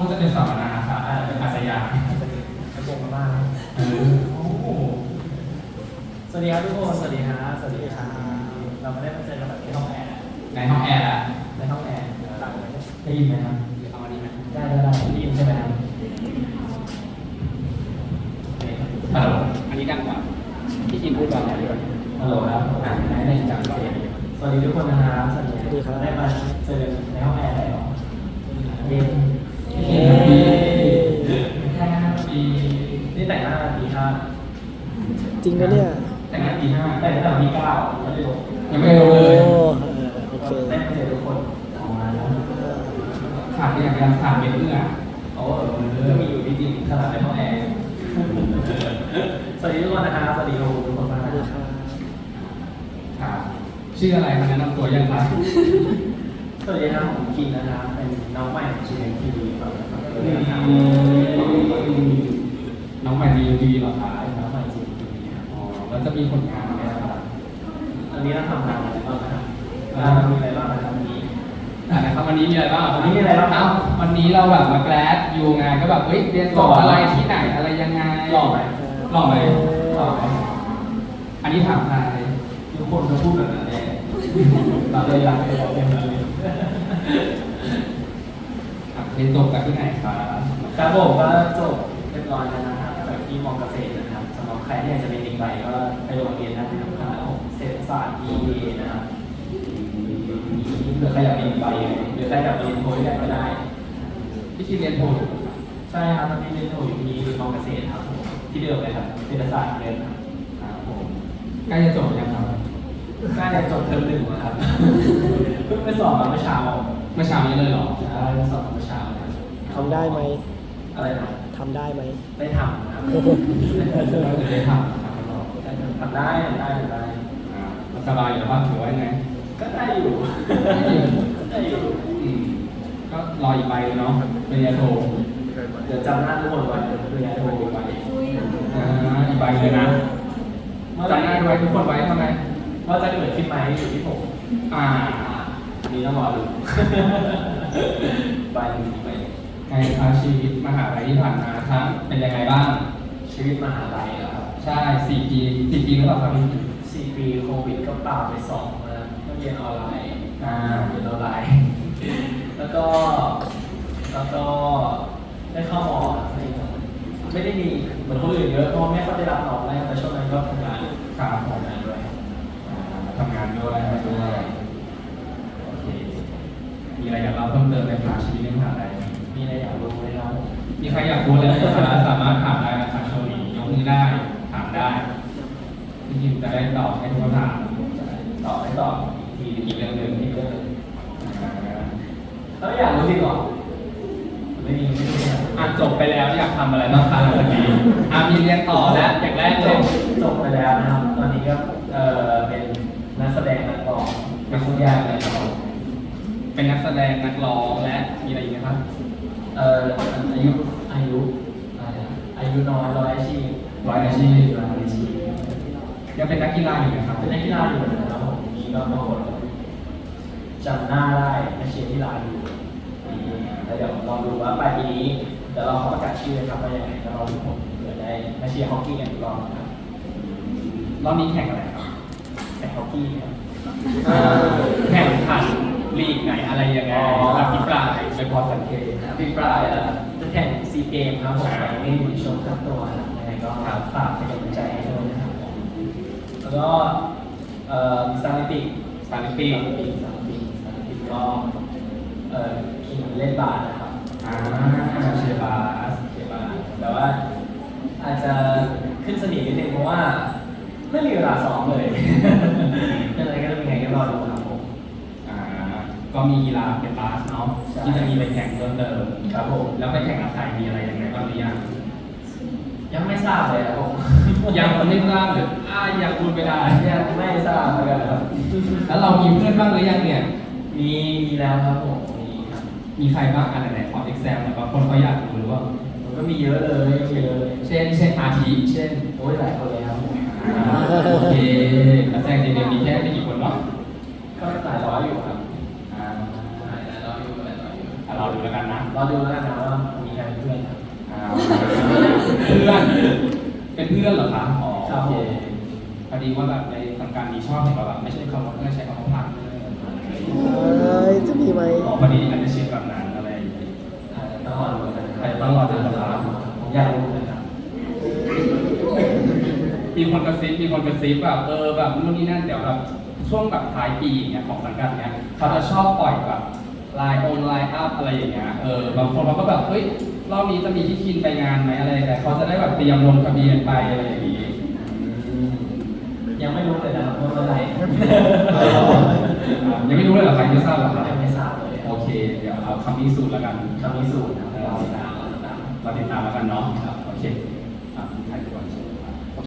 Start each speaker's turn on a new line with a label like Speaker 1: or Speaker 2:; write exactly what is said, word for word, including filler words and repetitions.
Speaker 1: ก็จะเป็นสัมมนาค่ะเป็นอาสยาม
Speaker 2: กระโปรงมาบ้าง
Speaker 1: เออโอ้
Speaker 2: สวัสดีครับทุกคนสวัสดีครับสวัสดีครับเราไม่ได้มาเจอกันแบบที่ห้องแอร์
Speaker 1: ในห้องแอร์อะ
Speaker 2: ในห้องแอร์ต่างกัน
Speaker 1: ได้ยินไหมครับหรือเอาอันนี้ไหม
Speaker 2: ได้ได้ได้ได้ยินใช่ไหมครับ
Speaker 1: ฮัลโหลอันนี้ดังกว่าพี่กินพูดก่อนดีกว่า
Speaker 2: ฮัลโหลครับอ่านในในจังเสียงสวัสดีทุกคนนะครับสวัสดีครับได้มาเจอในห้องแอร์ได้หรอเย็นเย็นแค่ปีนี่แต่งหน้าปีห้า
Speaker 3: จริงไหมเนี่ย
Speaker 1: แต่งหน้าปีห้า
Speaker 2: แต่งตั้งแต่ปีเก้าไม่ได้ลง
Speaker 1: ยังไม่ลงเลย
Speaker 3: โอเค
Speaker 2: ได้มาเจอทุกคนออกมาแล้ว
Speaker 1: ขาดไปอย่างยังขาดเป็นเอื้อ
Speaker 2: โอ้ก็มีอยู่จริงๆขนาดในห้องแอร์สวัสดีทุกคนนะครับสวัสดีทุกคนมากเลยครับ
Speaker 1: ครับชื่ออะไรคะแนะนำตัวยังครับ
Speaker 2: สวัสดีครับผมคินนะครับเป็นน้องใหม่ของชีวิตทีวีครับ
Speaker 1: น้องใหม่ดีดีเหรอครับ
Speaker 2: น้องใหม่ชีวิตทีวีครับ
Speaker 1: อ๋อแล้วจะมีผลงานไหมครับ
Speaker 2: อันนี้เราทำงานอะไรบ้างครับมีอะไรบ้างนะครับวันนี้
Speaker 1: นะครับวันนี้มีอะไรบ้าง
Speaker 2: วันนี้มีอะไรบ้าง
Speaker 1: เอ้าวันนี้เราแบบมาแกลดอยู่งานก็แบบเฮ้ยเรียนจบอะไรที่ไหนอะไรยังไง
Speaker 2: หล่อไหม
Speaker 1: หล่อไหม
Speaker 2: หล่อไหม
Speaker 1: อันนี้ถามใคร
Speaker 2: ทุกคนจะพูดแบบนั้นเองเราเลยอยากให้เราเป็นแบบนี้
Speaker 1: เรียนจบจากที่ไหนครับ
Speaker 2: ครับผมก็จบเรียบร้อยแล้วนะครับจากที่มอเกษตรนะครับสำหรับใครที่อยากจะเป็นเด็กใบก็ไปโรงเรียนนะครับคณะเศรษฐศาสตร์ บี เอ นะครับหรือใครอยากเป็นใบหรือใครอยากเรียนโทได้ก็ได้
Speaker 1: พี่คิดเรียนโท
Speaker 2: ใช่ครับตอนนี้เรียนโทอยู่ที่มอเกษตรครับที่เดิมเลยครับเศรษฐศาสตร์เดิมครับผม
Speaker 1: ใกล้จะจบยังครับ
Speaker 2: ใกล้จะจบเทอมหนึ่งแล้วครับเพิ่งไปสอบมาเมื่อเช้า
Speaker 1: เมื่อเช้านี้เลยเหรอ
Speaker 2: ใช่สอบเมื่อเช้า
Speaker 3: ทำได้ไหม
Speaker 2: อะไรนะ
Speaker 3: ทำได้ไหม
Speaker 2: ได้ทำครับ
Speaker 1: ได้ท
Speaker 2: ำทำได้ทำได้ทำได้
Speaker 1: สบายอยู่บ้างถือว่าไง
Speaker 2: ก็ได้อยู่ได้อยู่
Speaker 1: ก็รออีกใบเนาะปริญญาโท
Speaker 2: เดี๋ยวจำหน้าทุกคนไว้ปริญญาโทอีกใบ
Speaker 1: อ่าอีกใบเลยนะจำหน้าไว้ทุกคนไว้ทำไม
Speaker 2: ว่าจะเกิดขึ้นไหมอยู่ที่ผม
Speaker 1: อ่า
Speaker 2: มีต้องรอดูใบหนึ่งใบ
Speaker 1: ไงครับชีวิตมหาลัยที่ผ่านมาครับเป็นยังไงบ้าง
Speaker 2: ชีวิตมหาลัยครับ
Speaker 1: ใช่สี่ปีสี่ปีหรือเปล่าครับ
Speaker 2: สี่ปีโควิดก็ปราบไปสองนะก็เรียนออนไลน์
Speaker 1: อ่า
Speaker 2: เรียนออนไลน์แล้วก็แล้วก็ได้เข้ามอไม่ได้มีเหมือนคนอื่นเยอะเพราะไม่ค่อยได้รับน้องเลยแต่ช่วงนั้นก็ทำงาน
Speaker 1: ครับ
Speaker 2: ทำงานด้วย
Speaker 1: ทำงานด้วยอะไรด้วยโอเคมีอะไรอยากเล่าเพิ่มเติมในภาชีวิตในมหาลัย
Speaker 2: มีอะไรอยากรู้ไหมครับ
Speaker 1: มีใครอยากรู้อะไรสามารถถามได้นะครับช่วงนี้ยกมือได้ถามได้พี่ยิมจะได้ตอบให้ทุกคำถาม
Speaker 2: ตอบให้ตอบที
Speaker 1: อีกเรื่องหนึ่ง
Speaker 2: อีกเรื่องหนึ่งแล้วอยากรู้จริงเหรอไม่มีไม่มี
Speaker 1: อ่านจบไปแล้วอยากทำอะไรบ้างคะหลังจากนี้อ่ามีเรียนต่อแล้วอย่างแรกเลย
Speaker 2: จบไปแล้วนะครับตอนนี้ก็เออเป็นนักแสดงนักร้องเป็นทุกอย่างเลยครับ
Speaker 1: เป็นนักแสดงนักร้องและมีอะไรอีกไหมครับ
Speaker 2: เอ่ออายุอายุอายุน้อยร้อยอาชีพ
Speaker 1: ร้อยอาชีพ
Speaker 2: ร้อยอาชีพ
Speaker 1: ยังเป็นนักกีฬาอยู่ไหมครับ
Speaker 2: เป็นนักกีฬาอยู่นะครับผมมีบางคนจำหน้าได้นักเชียร์ที่ร้านอยู่แล้วเดี๋ยวลองดูว่าปลายปีนี้เดี๋ยวเราเขาประกาศชื่อครับว่ายังไงแล้วเราทุกคนเดี๋ยวได้นักเชียร์ฮอกกี้กันอีกรอบครับ
Speaker 1: รอบนี้แข่งอะไรครับ
Speaker 2: แข่งฮอกกี้ครับ
Speaker 1: แข่งขันลีกไหนอะไรยังไงอภิปรายไปพอสังเกต
Speaker 2: อภิปรายจะแข่งซีเกมครับผมไม่ได้ชมทั้งตัวยังไงก็ฝากเป็นกำลังใจให้ด้วยนะครับแล้วก็เอ่อซาลิปิก
Speaker 1: ซาลิปิก
Speaker 2: ซาลิปิกซาลิปิกซาลิปิกก็เอ่อคิงเล่นบาสนะครับ
Speaker 1: อ่าเชียร์บาส
Speaker 2: เชียร์บาสแต่ว่าอาจจะขึ้นสนิทนิดนึงเพราะว่าไม่มีเวลาซ้อมเลยยังไงก็เป็นไงก็รอดูครับผม
Speaker 1: อ่าก็มีกีฬาเป็นบาสเนาะที่จะมีไปแข่งเพิ่มเติม
Speaker 2: ครับผม
Speaker 1: แล้วไปแข่งกับใครมีอะไรยังไงบ้างหรือยัง
Speaker 2: ยังไม่ทราบเลยครับผม
Speaker 1: ยังไม่ทราบหรืออ่ายังพูดไม่ได้
Speaker 2: ยังไม่ทราบเหมือนกันครับ
Speaker 1: แล้วเรามีเพื่อนบ้างหรือยังเนี่ย
Speaker 2: มีมีแล้วครับผมมีครับ
Speaker 1: มีใครบ้างอันไหนขอ exam หน่อยบางคนเขาอยากรู้หรือว่า
Speaker 2: มันก็มีเยอะเลยเยอะเลย
Speaker 1: เช่นเช่นอาทิเช่น
Speaker 2: โอ้ยหลายคนเลยครับ
Speaker 1: โอเคนักแสดงจริงๆมีแค่ไม่กี่คนเนาะ
Speaker 2: ก็หลายร้อยอยู่ครับ
Speaker 1: อ่า
Speaker 2: หลายร้อยอยู่หลายร้อยอยู่
Speaker 1: ออ่ะเราดูแล้วกันนะ
Speaker 2: เราดูแล้วกันนะว่ามีใครเป็นเพื่อนครับ
Speaker 1: อ่าเพื่อนเป็นเพื่อนเหรอคะอ๋อ
Speaker 2: ครับ
Speaker 1: โอเคพอดีว่าแบบในทางการมีชอบเห็นว่าแบบไม่ใช่คำว่าเพื่อนใช้คำว่าพาร์ทเนอร์
Speaker 3: เอ้ยจะมีไหม
Speaker 1: อ๋อพอดีอาจจะเชียร์แบบนั้นอะไรอย่างเงี้ย
Speaker 2: เอ่อต้องรอดูกันนะค
Speaker 1: ใคร
Speaker 2: รับ
Speaker 1: ต้องรอดูนะครับ
Speaker 2: ผมอยากรู้นะครับ
Speaker 1: มีคนกระซิบมีคนกระซิบแบบเออแบบนู่นนี่นั่นเดี๋ยวแบบช่วงแบบท้ายปีอย่างเงี้ยของสังกัดเนี้ยเขาจะชอบปล่อยแบบไลน์ออนไลน์อัพอะไรอย่างเงี้ยเออบางคนเขาก็แบบเฮ้ยรอบนี้จะมีที่คินไปงานไหมอะไรแต่เขาจะได้แบบเตรียมลงทะเบียนไปอะไรอย่างงี้
Speaker 2: ยังไม่รู้เลยนะครับว่าเมื่อไหร่
Speaker 1: ยังไม่รู้เลยเหรอใครไม่ทราบเหรอครับ
Speaker 2: ยังไม่ทราบเลย
Speaker 1: โอเค เดี๋ยวเอาคำพิสูจน์แล้วกัน
Speaker 2: คำพิสูจน์นะครับเราติดตามเราติดตาม
Speaker 1: เราติดตามแล้วกันเนาะ
Speaker 2: ครับ